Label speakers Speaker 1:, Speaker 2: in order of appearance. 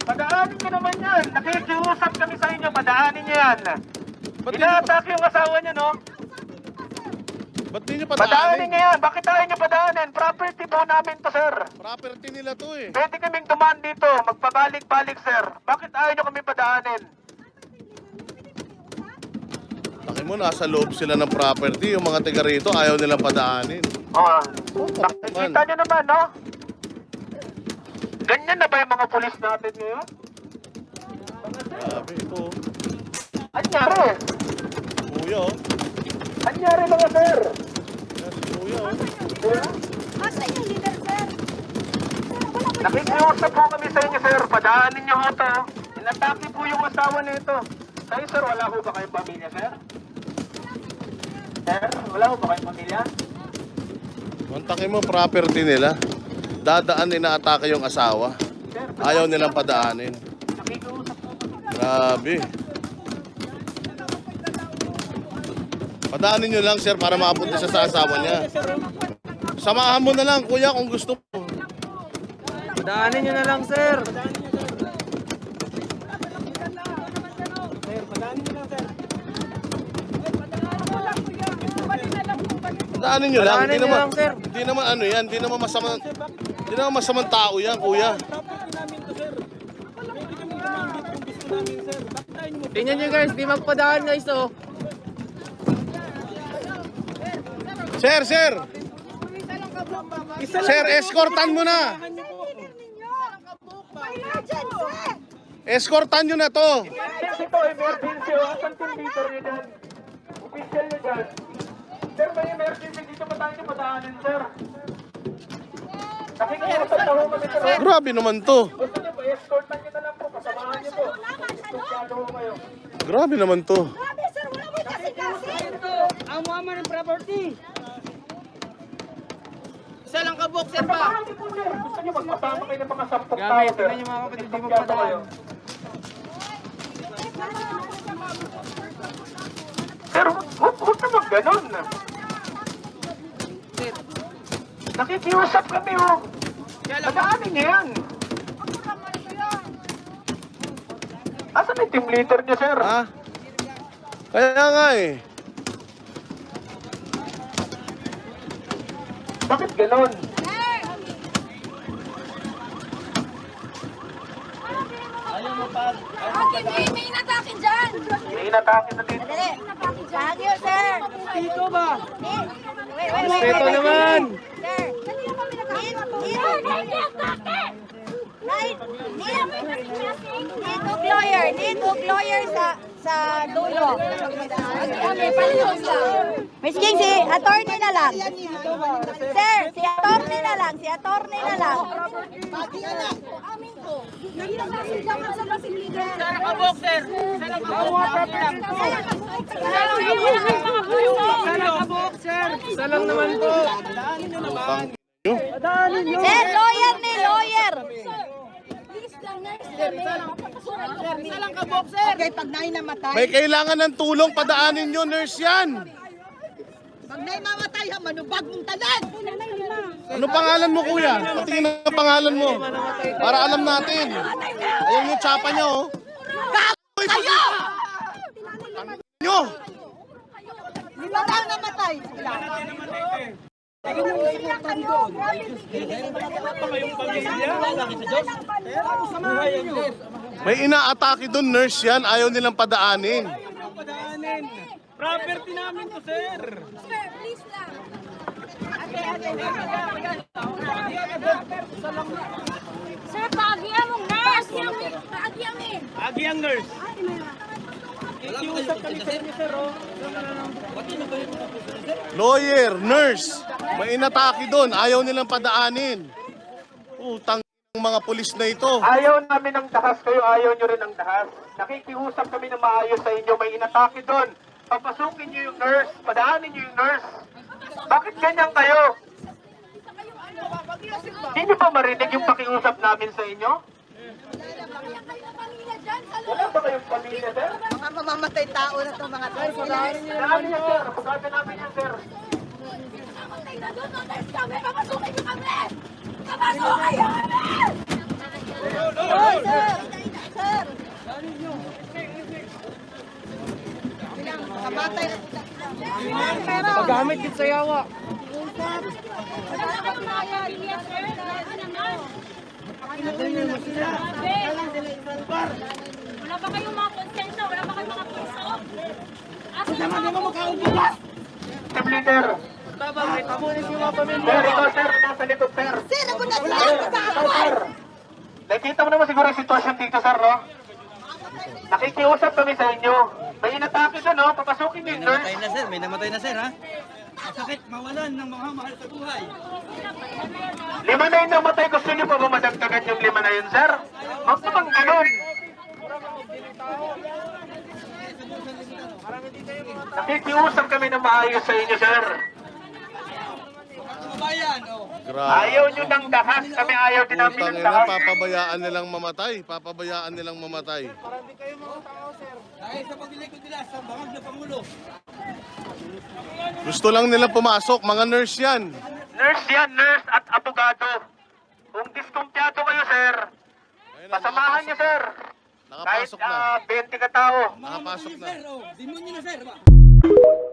Speaker 1: Padaanin nyo naman yan. Nakikiusap kami sa inyo, padaanin nyo yan. Ina-attack yung asawa niya, no?
Speaker 2: Ba't di nyo
Speaker 1: Padaanin
Speaker 2: padaanin?
Speaker 1: nyo yan. Bakit tayo nyo padaanin? Property po namin to, sir.
Speaker 2: Property nila to eh.
Speaker 1: Pwede kaming dumaan dito. Magpabalik-balik, sir. Bakit ayaw nyo kami padaanin?
Speaker 2: Taki mo, nasa loob sila ng property. Yung mga taga rito, ayaw nilang padaanin.
Speaker 1: Oh, nakikita nyo naman, no? Ganyan na ba yung mga pulis natin ngayon?
Speaker 2: Grabe, ito.
Speaker 1: Anyari?
Speaker 2: Kuya, oh.
Speaker 1: Anyari mga sir?
Speaker 2: Yan si Kuya, oh.
Speaker 3: Asa yung leader, sir?
Speaker 1: Nakikiusap po kami sa inyo, sir. Padaanin nyo ho to. Inatake po yung asawa nito. Kayo, sir, wala ho ba kayong pamilya, sir? Sir, wala ho ba kayong pamilya?
Speaker 2: Mantakin mo, property nila. Dadaan, inaatake yung asawa.
Speaker 1: Sir,
Speaker 2: Ayaw nilang padaanin.
Speaker 1: nakikiusap po kami.
Speaker 2: Grabe. Padaanin nyo lang, sir, para makapunta siya sa asawa niya. Samahan mo na lang, kuya, kung gusto mo.
Speaker 4: Daanin nyo na lang, sir.
Speaker 2: Padaanin nyo lang.
Speaker 4: Padaanin
Speaker 2: Hindi
Speaker 4: nyo
Speaker 2: naman,
Speaker 4: lang, sir.
Speaker 2: hindi naman ano yan. Hindi naman masamang tao yan, kuya.
Speaker 4: Tingnan nyo guys, di magpadaan guys, oh.
Speaker 2: Sir, sir! Sir, escortan mo na! Escortan nyo na to!
Speaker 1: Emergency to, emergency. O, asan team leader nyo dyan? Official nyo dyan. Sir, may emergency dito pa tayo padaanin, sir. Nakikiusap na ho kami, sir.
Speaker 2: Grabe naman to.
Speaker 1: Gusto nyo po, escortan nyo na lang po. Kasamahan nyo po. Escortado ho kayo.
Speaker 2: Grabe naman to.
Speaker 3: Grabe, sir, wala mo kasi.
Speaker 4: Ang mama ng property. Isa lang kabok, sir pa.
Speaker 1: Kasamahan nyo po, sir. Gusto nyo magpasama kayo ng mga 10 tao,
Speaker 4: Grabe,
Speaker 1: sir.
Speaker 4: tingnan nyo mga kapatid, di
Speaker 1: Escortado
Speaker 4: magpadaan.
Speaker 1: kayo. Sir, huwag naman ganun. Nakikiusap kami, oh. Padaanin niya yan. Asan yung team leader niya, sir?
Speaker 2: Ha? Kaya nga eh.
Speaker 1: Bakit ganun?
Speaker 3: May inatakin dyan.
Speaker 1: May inatake na dito.
Speaker 3: Dali. Bagyo, sir.
Speaker 4: Dito ba?
Speaker 3: Wait.
Speaker 4: Respeto naman.
Speaker 3: Sir. Need hook lawyer sa dulo. Miss King, si attorney na lang. Sir, si attorney na lang.
Speaker 4: Isa lang kabok, sir. Isa lang kabok. Isa lang naman po.
Speaker 2: Utang nyo.
Speaker 3: Sir, lawyer ni lawyer.
Speaker 4: Isa lang kabok, sir.
Speaker 5: Okay, pag na'y namatay,
Speaker 2: May kailangan ng tulong, padaanin nyo, nurse yan.
Speaker 5: pag na'y mamatay, ha, manubag mong tanan.
Speaker 2: Ano pangalan mo, kuya? Patingin ang pangalan mo. Para alam natin. Ayun yung tsapa niya, oh.
Speaker 5: Kayo!
Speaker 2: Nyo!
Speaker 5: Lima lang namatay.
Speaker 2: May inaatake doon, nurse yan. Ayaw nilang padaanin.
Speaker 4: Property namin to, sir.
Speaker 3: Sir, paagyan mong nurse.
Speaker 4: Agi ang nurse. Ikiusap kami sa inyo, sir, oh.
Speaker 2: Lawyer, nurse. May inatake doon. Ayaw nilang padaanin. Utang ng mga pulis na ito.
Speaker 1: Ayaw namin ng dahas kayo, ayaw nyo rin ng dahas. Nakikiusap kami na maayos sa inyo, may inatake doon. Papasukin nyo yung nurse, padaanin nyo yung nurse. Bakit ganyan kayo? Hindi nyo ba marinig yung pakiusap namin sa inyo? Wala ba kayong pamilya, sir?
Speaker 5: Mga mamamatay tao na to, mga tao.
Speaker 1: Namin yan, sir. Pagkata namin yan, sir.
Speaker 3: Papasukin nyo kami! Papasukin nyo kami!
Speaker 5: mamatay na sila.
Speaker 4: Pagamit din sa yawa.
Speaker 6: Wala ba kayong mga konsensya? Wala ba kayong mga puso? Asa naman
Speaker 1: Team leader. Sir, ikaw sir, nasa likod sir.
Speaker 5: Sir, ako na sila sa
Speaker 1: Ikaw sir. Nakita mo naman siguro yung sitwasyon dito sir, no? Nakikiusap kami sa inyo. May inatake doon, no? Papasukin niyo yung nurse.
Speaker 4: May namatay na sir, ha? Masakit mawalan ng mga mahal sa buhay.
Speaker 1: 5 na yung namatay. Gusto niyo pa ba madagdagan yung 5 na yun, sir? Huwag naman ganun. Nakikiusap kami ng maayos sa inyo, sir.
Speaker 2: Grabe.
Speaker 1: Ayaw nyo ng dahas. Kami ayaw din namin
Speaker 2: Putang
Speaker 1: ng
Speaker 2: ina,
Speaker 1: dahas.
Speaker 2: papabayaan nilang mamatay. Papabayaan nilang mamatay.
Speaker 4: Dahil sa paglilikod nila sa bangag na Pangulo.
Speaker 2: Gusto lang nila pumasok, mga nurse yan.
Speaker 1: Nurse yan, nurse at abogado. Kung diskumpiyado kayo, sir,
Speaker 2: Ayun na,
Speaker 1: pasamahan niyo, sir. Kahit
Speaker 2: Nakapasok na.
Speaker 1: 20 ka tao.
Speaker 2: Nakapasok na.
Speaker 4: Demonyo na sir, ba?